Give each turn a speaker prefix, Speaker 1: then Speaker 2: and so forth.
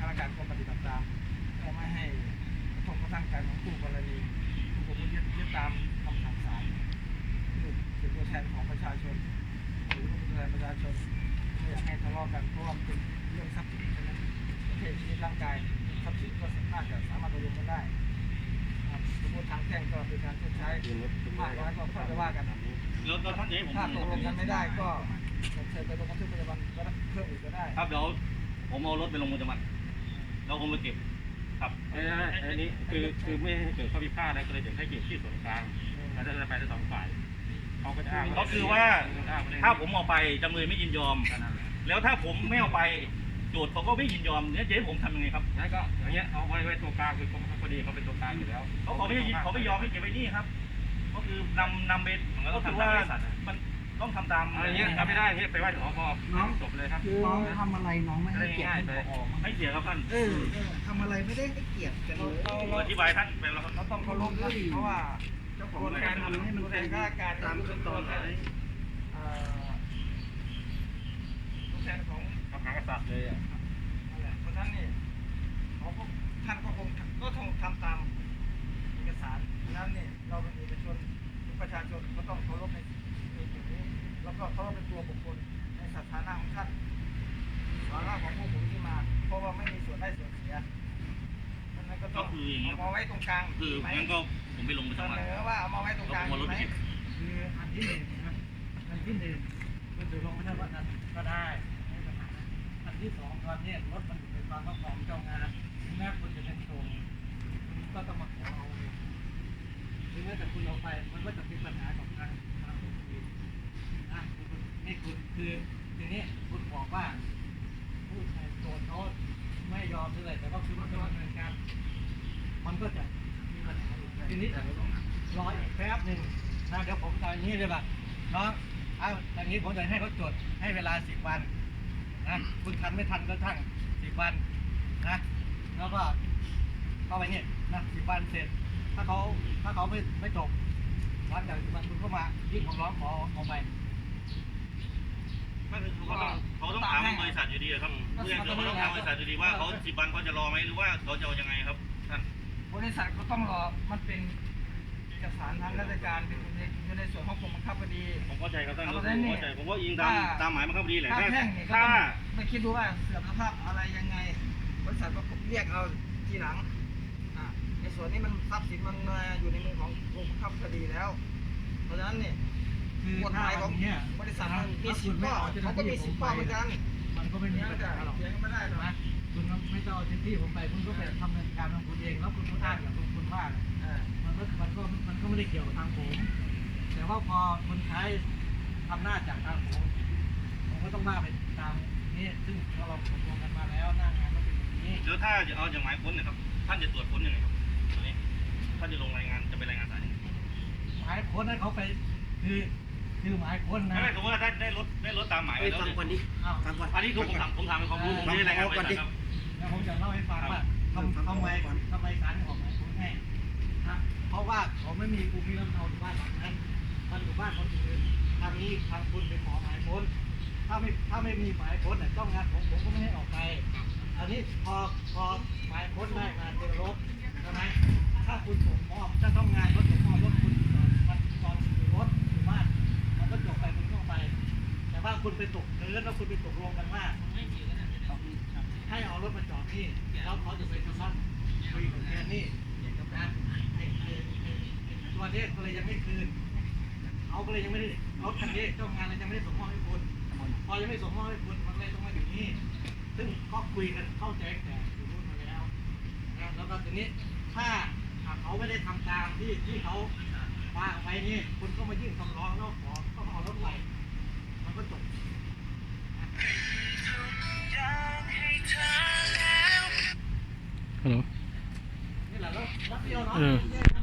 Speaker 1: ราชการก็ปฏิบัติตามก็ไม่ให้กระทบกระทั่งกันของคู่กรณีทุกคนยึดตามคำสั่งศาลคือเป็นตัวแทนของประชาชนหรือเป็นตัวแทนประชาชนไม่อยากให้ทะเลาะกันเพราะว่าเป็นเรื่องทรัพย์สินใช่ไหมประเภทชีวิตร่างกายทรัพย์สินก็สามารถตกลงกันได้สมมติทางแพ่งก็เป็นการชดใช้มากน้อยก็ค่อยไปว่ากัน
Speaker 2: แล้วท่านนี้ผม
Speaker 1: ถ้าตกลงกันไม่ได้ก็เชิญไปลงบันทึกประจำวันก็เพิ่มอีกก็ได้
Speaker 2: ครับเดี๋ยวผมเอารถไปลงบันทึกประจำวันแล้วผมไปเก็บครับ
Speaker 3: อันนี้คือไม่ให้เกิดข้อพิพาทนะก็เลยจะให้เก็บที่ส่วนกลางแล้วจะไปทั้งสองฝ่ายเขาก็จะอ้าง
Speaker 2: ก็คือว่าถ้าผมเอาไปจำเลยไม่ยินยอมแล้วถ้าผมไม่เอาไปโจทย์เขาก็ไม่ยินยอมเนี่ยจะให้ผมทำยังไงครับ
Speaker 3: งั้นก็อย่างเงี้ยเอาไว้ตัวกลางคือพอดีเขาเป็นตัวกลางอยู่แล้ว
Speaker 2: เขาไม่ยอมให้เก็บไว้นี่ครับก็คือนำไปก็คือว่ามันต้องทำตาม
Speaker 3: อะไรเงี้ยทำไม่ได้เงี้ยไปไหว้ถึงพอน้องจบเลยครับ
Speaker 1: น้องทำอะไรน้องไม่ให้เกียรติ
Speaker 2: ไม่เกียรติครับท่าน
Speaker 1: ทำอะไรไม่ได้ให้เกียรติกันเลย
Speaker 2: อธิบายท่านไปแล้วครับ
Speaker 1: เราต้องเคารพนะเพราะว่าเจ้าของการทำให้มันเป็นข้าราชการตามขั้นตอนตัวแทนของ
Speaker 3: พระมหากษัตริย์เลย
Speaker 1: นั่นแหละเพราะฉะนั้นนี่ท่านก็คงทำตามเอกสารเพราะฉะนั้นนี่เราเป็นเอกชนประชาชนก็ต้องเคารพในจุดนี้แล้วก็เคารพในตัวบุคคลในสถานะของท่านสาระของพวกผมที่มาเพราะว่าไม่มีส่วนได้ส่วนเสียนั้นก็ต้องเอาไว้ตรงกลาง
Speaker 2: คืองั้นก็ผมไปลงไปทำไม
Speaker 1: ว่าเอามาไว้ตรงกลางไหมคืออันที่หนึ่งนะอันที่หนึ่งคุณถือลงไม่ได้ว่านั้นก็ได้ไม่ปัญหาอันที่สองตอนนี้รถมันอยู่ในความครอบครองเจ้างานถึงแม้คุณจะเป็นโจรคุณก็ต้องมาขอเอาถึงแม้แต่คุณเอาไปมันก็จะมีปัญหากับทางคุณนะนี่คุณคือทีนี้คุณบอกว่าผู้ชายโจรเขาไม่ยอมเลยแต่ก็คือว่าจะดำเนินการมันก็จะมีปัญหาทีนี้รออีกแป๊บหนึ่งนะเดี๋ยวผมจะอย่างนี้เลยป่ะน้องเอาอย่างนี้ผมจะให้เขาจดให้เวลา10 วันนะคุณทันไม่ทันก็ช่าง10 วันนะแล้วก็เข้าไปเนี่ยนะ10 วันเสร็จถ้าเขาไม่จบหลังจาก10 วันคุณก็มายื่นคำร้องขอเอาไป
Speaker 2: เขาต้องถามบริษัทอยู่ดีครับเพื่อนเขาต้องถามบริษัทอยู่ดีว่าเขา10 วันเขาจะรอไหมหรือว่าเขาจะเอายังไงครับท่าน
Speaker 1: บริษัทก็ต้องรอมันเป็นเอกสารทางราชการเป็นอยู่ในส่วนของกรมบังคับคดี
Speaker 2: ผมเข้าใจครับท่านผมเข้าใจผมว่าอิงตามหมายบังคับคดีแหละ
Speaker 1: ถ้าไม่คิดดูว่าเสื่อมสภาพอะไรยังไงบริษัทก็เรียกเอาทีหลังในส่วนนี้มันทรัพย์สินมันอยู่ในมือของกรมบังคับคดีแล้วเพราะฉะนั้นเนี่ยกฎหมายของบริษัทมันมี10 ข้อเขาก็มี10 ข้อเหมือนกัน
Speaker 4: มันก็ไม่มีปัญหาหรอก
Speaker 1: เถียงไม่ได้หรอกนะ
Speaker 4: คุณไม่ต้องเอาเจ้าที่ผมไปคุณก็ไปทำเนินการของคุณเองแล้วคุณก็อ้างกับคุณว่ามันก็ไม่ได้เกี่ยวกับทางผมแต่ว่าพอคนใช้อำนาจจากทางผมก็ต้องว่าไปตามนี้ซึ่งเราตกลงกันมาแล้วหน้างานก็เป็นอย่างนี้
Speaker 2: แล้วถ้าจะเอาอย่างหมายค้นนะครับท่านจะตรวจค้นยังไงครับตอนนี้ท่านจะลงรายงานจะไปรายงานศาลยังไง
Speaker 4: หมายค้นให้เขาไปคือหมายค้นนะ
Speaker 2: ไม่สมมติว่าได้รถตามหมายแล้ว
Speaker 1: ฟังก่อนดิ
Speaker 2: อันนี้คือผมถามเป็นความรู้ผมไม่ได้รายงานก่อนดิ
Speaker 4: แล้วผมจะเล่าให้ฟังว่าทำไมศาลออกหมายค้นให้เพราะว่าเขาไม่มีภูมิลำเนาอยู่บ้านหลังนั้นมันอยู่บ้านคนอื่นทางนี้ทางคุณไปขอหมายค้นถ้าไม่มีหมายค้นเนี่ยต้องงานผมก็ไม่ให้ออกไปอันนี้พอหมายค้นได้มาเจอรถใช่ไหมถ้าคุณส่งมอบจะต้องงานรถส่งมอบรถคุณตอนอยู่รถอยู่บ้านมันก็จบไปคุณก็ไปแต่ว่าคุณไปตกเนื้อแล้วคุณไปตกลงกันว่าให้เอารถมาจอดนี่แล้วเขาจะไปทำบ้านคุยกับแกนี่นะตัวนี้ก็เลยยังไม่คืนเขาก็เลยยังไม่ได้รถคันนี้เจ้างานเลยยังไม่ได้ส่งมอบให้คุณพอยังไม่ส่งมอบให้คุณมันเลยต้องมาอยู่นี่ซึ่งก็คุยกันเข้าใจแต่อยู่นู่นมาแล้วนะแล้วก็ทีนี้ถ้าเขาไม่ได้ทำตามที่เขาว่าไว้นี่คุณก็มายื่นคำร้องแล้วขอก็เอารถไปมันก็จบ
Speaker 3: ฮัลโหล
Speaker 4: นี่แหละแล้วเดียวเนาะ